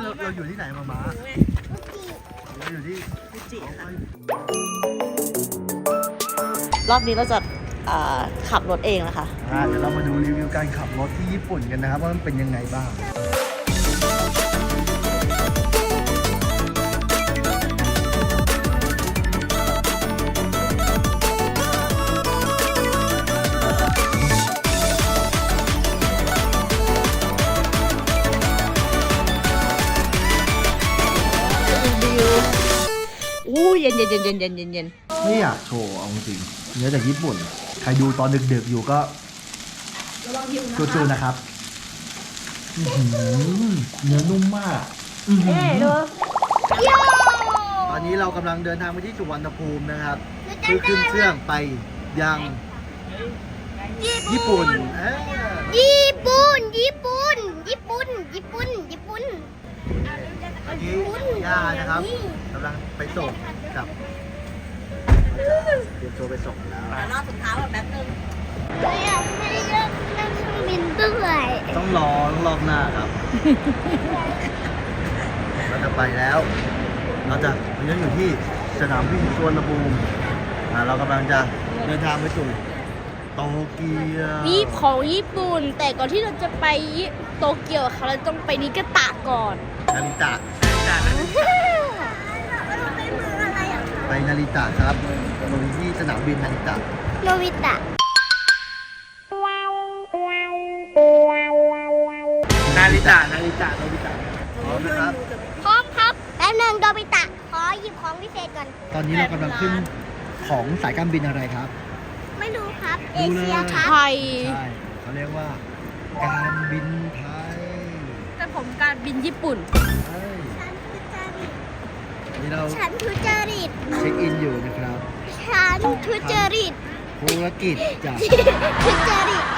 เราอยู่ที่ไหนมาเราอยู่ที่ฟูจิค่ะรอบนี้เราจะขับรถเองนะคะเดี๋ยวเรามาดูรีวิวการขับรถที่ญี่ปุ่นกันนะครับว่ามันเป็นยังไงบ้างเย็นไม่อยากโชว์เอาจริงเนื้อจากญี่ปุ่นใครดูตอนดึกๆอยู่ก็จูๆนะครับเนื้อนุ่มมากตอนนี้เรากำลังเดินทางไปที่สุวรรณภูมินะครับเพื่อขึ้นเครื่องไปยังญี่ปุ่นอันนี้ย่านะครับกำลังไปส่งกับเตรียมตัวไปส่งแล้วรอบสุดท้ายแบบแป๊บนึงอยากให้เลือกนั่งเครื่องบินด้วยต้องรอบหน้าครับ เราจะไปแล้ว เรายังอยู่ที่สนามบินสุวรรณภูมิเรากำลังจะเดินทางไปสู่โตเกียวนี่ของญี่ปุ่น แต่ก่อนที่เราจะไปโตเกียวเขาเราต้องไปนิกาตะก่อนนาริตะไปนาริตะครับลงที่สนามบินนาริตะโนบิตะนาริตะพร้อมนะครับพร้อมครับแป๊บนึงโนบิตะ ขอหยิบของพิเศษก่อนตอนนี้เรากำลังขึ้นของสายการบินอะไรครับไม่รู้ครับ เอดูเลยเชียครับไทยใช่เขาเรียกว่า การบินไทยแต่ผมการบินญี่ปุ่นใช่ฉันทุจริตนี่เราฉันทุจริตเช็คอินอยู่นะครับฉันทุจริตธุรกิจจากทุจริต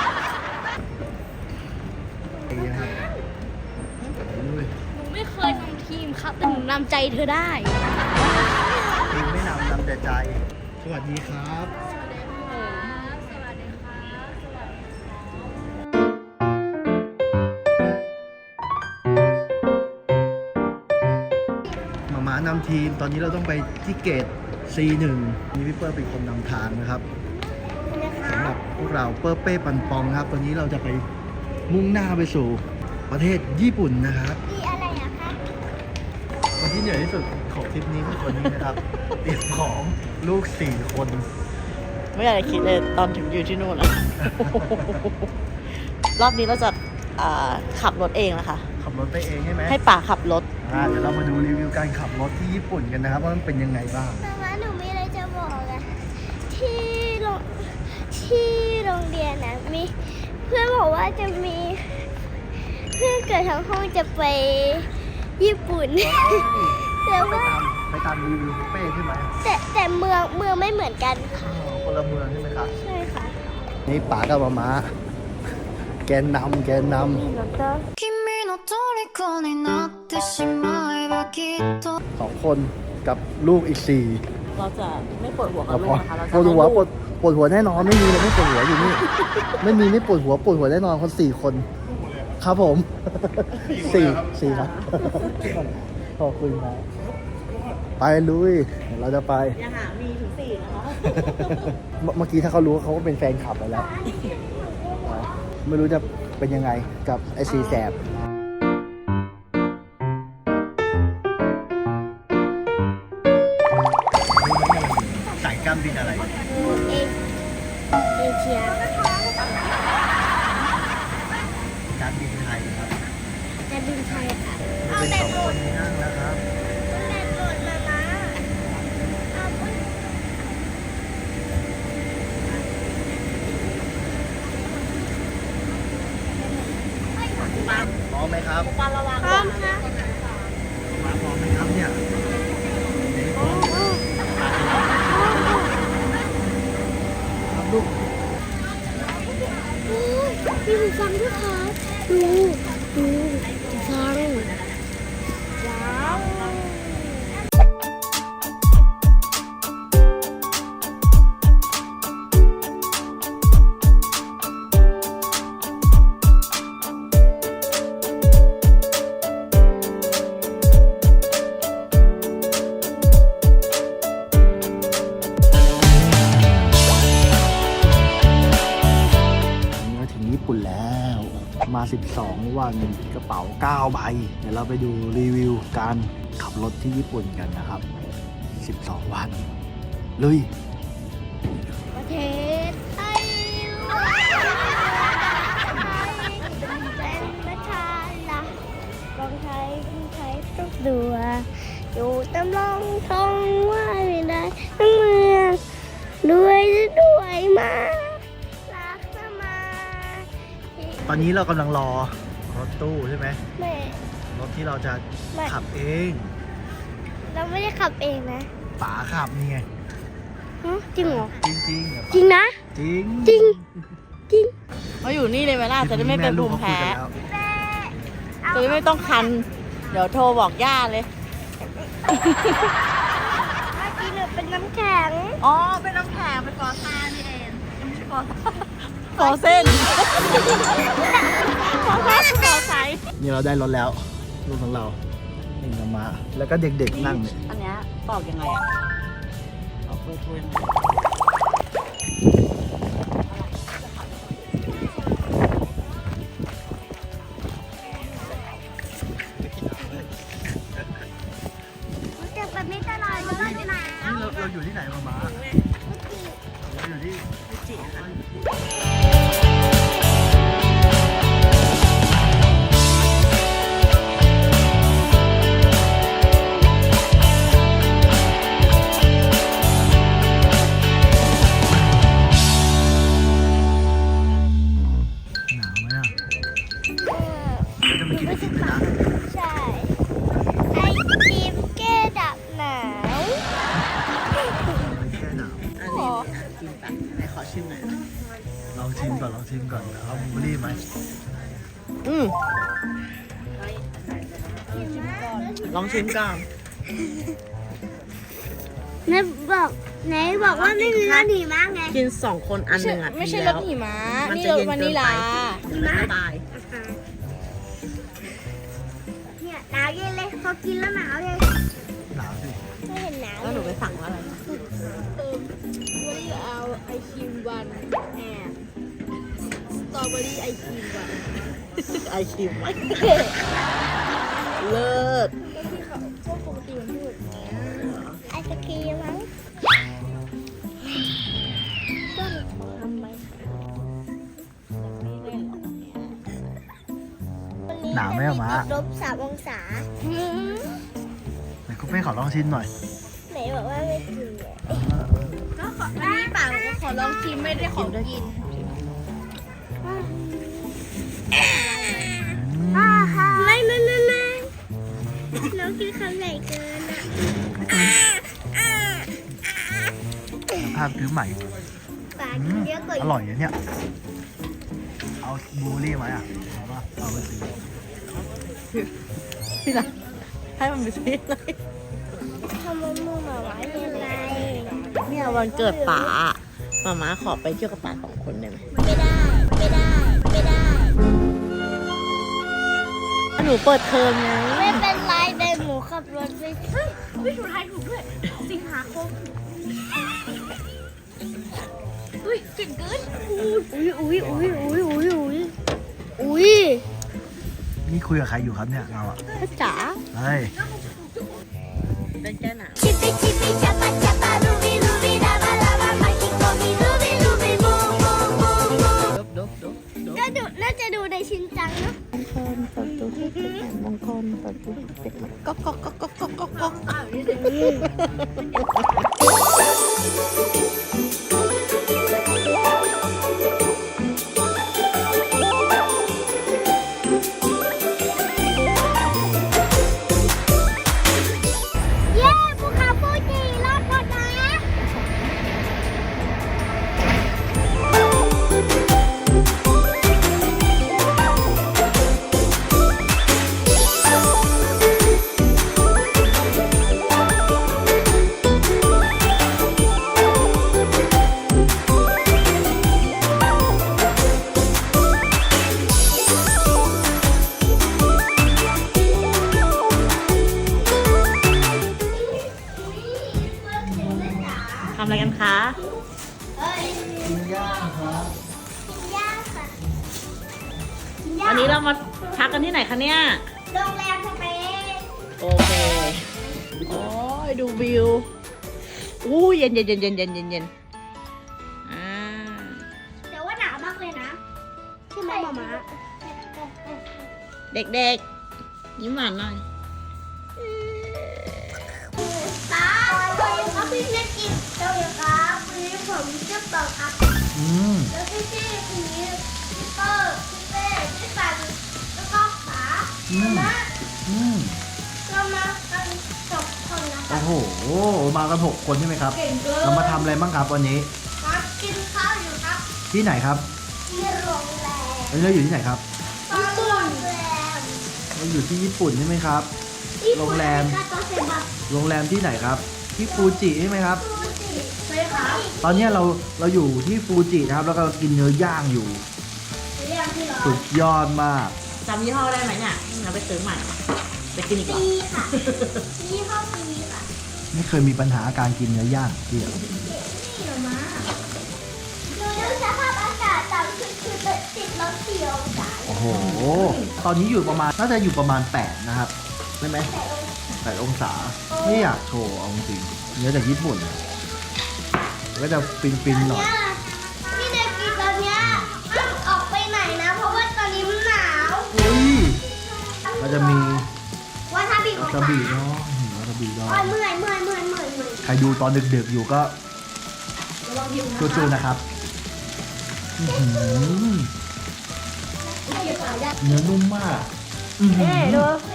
นี่นะครับอุ้ยหนูไม่เคยทำทีมครับ แต่หนูนำใจเธอได้ทีมไม่นำแต่ใจ สวัสดีครับ หมามานำทีม ตอนนี้เราต้องไปที่เกต C1 นี่พี่เปิ้ลเป็นคนนำทางนะครับสำหรับพวกเราเปิ้ลเป้ปันปองครับ ตอนนี้เราจะไปมุ่งหน้าไปสู่ประเทศญี่ปุ่นนะครับมีอะไรอะคะคนที่เหนื่อยที่สุดของทริปนี้คือคนนี้นะครับ เตรียมของลูก4 คนไม่อยากจะคิดเลยตอนถึงอยู่ที่นู่นอะ รอบนี้เราจะขับรถเองนะคะขับรถไปเองใช่ไหมให้ป่าขับรถเดี๋ยวเรามาดูรีวิวการขับรถที่ญี่ปุ่นกันนะครับ ว่ามันเป็นยังไงบ้างแต่ว่าหนูมีอะไรจะบอกอะที่โรงที่โรงเรียนนะมีเพื่อนบอกว่าจะมีเพื่อนเกิดทั้งห้องจะไปญี่ปุ่น แต่ว่าไปตามรีวิวเป้ใช่ไหมแต่เมืองไม่เหมือนกันค่ะคนละเมืองใช่ไหมครับใช่ค่ะนี่ป๋ากับม้าแกนนำ君の虜になってしまえばきっと 2 คนกับลูกอีก 4 เราจะไม่ปวดหัวกับลูกนะคะเราจะปวดหัวปวดหัวแน่นอนไม่มีเลยไม่ปวดหัวอยู่นี่ ไม่ปวดหัวแน่นอนคน4 คน ครับผม 4 ครับ ขอบคุณครับไปลุยเดี๋ยวเราจะไปอย่าหามีถึง4นะคะเมื่อกี้ถ้าเขารู้เขาก็เป็นแฟนคลับไปแล้ว ไม่รู้จะเป็นยังไงกับไอซีแสบสายการบินอะไรเอเชียการบินไทยครับแต่บินไทยค่ะเป็น2 คนที่นั่งแล้วครับแต่โดดมานะเอาไปพร้อมไหมครับปาระวังพร้อมค่ะมาพร้อมไหมครับเนี่ยครับลูกมีหูฟังด้วยค่ะดูหูฟังว้าว 12 วันกระเป๋า 9 ใบ เดี๋ยวเราไปดูรีวิวการขับรถที่ญี่ปุ่นกันนะครับ 12 วันลุยประเทศไทยเป็นประชาลักของไทยทุกตัวอยู่ตำลองทองว่าไม่ได้ทั้งเมืองด้วยมารักสมาตอนนี้เรากำลังรอรถตู้ใช่ไหมแม่รถที่เราจะขับเองเราไม่ได้ขับเองนะป๋าขับนี่ไงฮะจริงเหรอจริงจริงจริงนะจริงจริง จริงมาอยู่นี่เลยไหมล่ะจะได้ไม่เป็นภูมิแพ้ลูกเขาคุยกันแล้วจะได้ไม่ต้องคัน เดี๋ยวโทรบอกย่าเลยเมื่อกี้หนูเป็นน้ำแข็งอ๋อ เป็นน้ำแข็งเป็นฟอซ่านี่เองไม่ใช่ฟอเส้นฟอซ่าคือฟอไซนี่เราได้รถแล้วลูกของเราเองกับมาแล้วก็เด็กๆนั่งเนี่ยอันเนี้ยตอกยังไงอ่ะตอกเบอร์โทรยังไงจะแบบนี้ตลอดเลยนะนี่เราอยู่ที่ไหนมาเราอยู่ที่จิค่ะหนาวไหมอ่ะเราจะไปกินไอติมเลยนะใช่ไอติมแก้ดับหนาวไม่แค่หนาวอันนี้กินปะไหนขอชิมหน่อยนะลองชิมก่อนเอาบลูเบอร์รี่ไหมอืมลองชิมก่อนไหนบอกว่าไม่มีรสหิมะไงกิน2 คนอันหนึ่งอ่ะไม่ใช่ดีรแล้วสหิมะมันนี่จะรสเย็นวาเกินินลไปลามันละลายเนี่ยหนาวเย็นเลยพอกินแล้วหนาวเลยหนาวสิไม่เห็นหนาวแล้วหนูไปสั่งว่าอะไรวานิลเอาไอครีมวันแอนสตรอเบอรี่ไอครีมวันไอคิวเลิศที่เขาพวกปกติมันพูดไอศครีมมั้งต้นทำไมหนาวไหมอะม้าลบ3 องศาไหนคุณเป้ขอลองชิมหน่อยไหนบอกว่าไม่กินเลยก็ขออันนี้ป่าก็ขอลองชิมไม่ได้ของกินไม่น้องกินคำใหญ่เกินอ่ะภาพซื้อใหม่ปากกินเยอะกว่าอร่อยนะเนี่ย เอาบลูเบอร์รี่ไหมอ่ะเอาป่ะเอาไปซื้อที่ไหนให้มันไปซื้อเลยทำมันมือมาไว้ยังไงเนี่ยวันเกิดป๋ามาม่าขอไปเที่ยวกับป๋า2 คนได้ไหมไม่ได้หนูเปิดเทอมไงไม่เป็นไรเดินหมูขับรถไปอุ้ยถูกทายถูกด้วย สิงหาคมอุ้ยเก่งเกินอุ้ยนี่คุยกับใครอยู่ครับเนี่ยเราอ่ะพ่อจ๋าเฮ้ยเป็นแก้หนาวチピチピチャパチャパルビルビラバラバ巻き込みルビルビブーブーブーブーน่าจะดูในชินจังเนาะมงคลเปิดตู้ให้เป็นมงคลเปิดตู้ให้เป็นก๊อกก๊อกก๊อกก๊อกก๊อกก๊อกก๊อกเย้ภูเขาฟูจิรอดหมดนะทำอะไรกันคะกินย่างครับย่างค่ะเอวันนี้เรามาพักกันที่ไหนคะเนี่ยโรงแรมสเปนโอเค โอ้ยดูวิว อู้เย็นเย็นเย็นเย็นเย็นเย็นเย็นอ่าแต่ว่าหนาวมากเลยนะใช่ไหมหมาเด็กๆ ยิ้มหวานหน่อยตาวันนี้ครับพี่เล่นกินเจ้าเลยครับวันนี้ผมชื่อเปิลครับอืมแล้วพี่ชื่อคนนี้พี่เปิลพี่เป้พี่ปันแล้วก็ป๋าอืมมาอืมเรามากัน6 คนนะครัโอ้บโห มากัน6 คนใช่ไหมครับเก่งเกินเรามาทำอะไรบ้างครับวันนี้มากินข้าวอยู่ครับที่ไหนครับที่โรงแรมวันนี้เราอยู่ที่ไหนครับญี่ปุ่นเราอยู่ที่ญี่ปุ่นใช่ไหมครับ โรงแรมคาโตเซบะโรงแรมที่ไหนครับ ที่ฟูจิใช่ไหมครับฟูจิใช่ครับตอนนี้เราอยู่ที่ฟูจินะครับ แล้วก็กินเนื้อย่างอยู่เรียกที่ร้อสุนดยอดมากจำยี่ห้อได้ไหมเนี่ยเราไปซื้อใหม่ ไปกินอีกเหรอปีค่ะนี่เข้าปีค่ะไม่เคยมีปัญหาการกินเนื้อย่างที่นี่เหรอมาดูสภาพอากาศต่ำคือติดลบ4 องศาโอ้โห ตอนนี้อยู่ประมาณน่าจะอยู่ประมาณ8นะครับใช่ไหม8 องศา ไม่อยากโชว์เอาจริงๆเนื้อจากญี่ปุ่นก็จะฟินๆหน่อยพี่เด็กกินตอนเนี้ยห้ามออกไปไหนนะ เพราะว่าตอนนี้มันหนาวอุ้ยก็จะมีวาซาบิของวาซาบิเนาะวาซาบิเนาะเมื่อยใครดูตอนดึกๆอยู่ก็สู้ๆนะครับอื้อหือเนื้อนุ่มมากอื้อหือ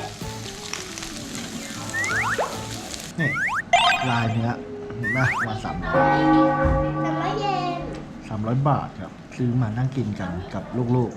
นี่ลายเนื้อเห็นไหมวัน300 แต่ไม่เย็น 300 บาทครับ ซื้อมานั่งกินกันกับลูกๆ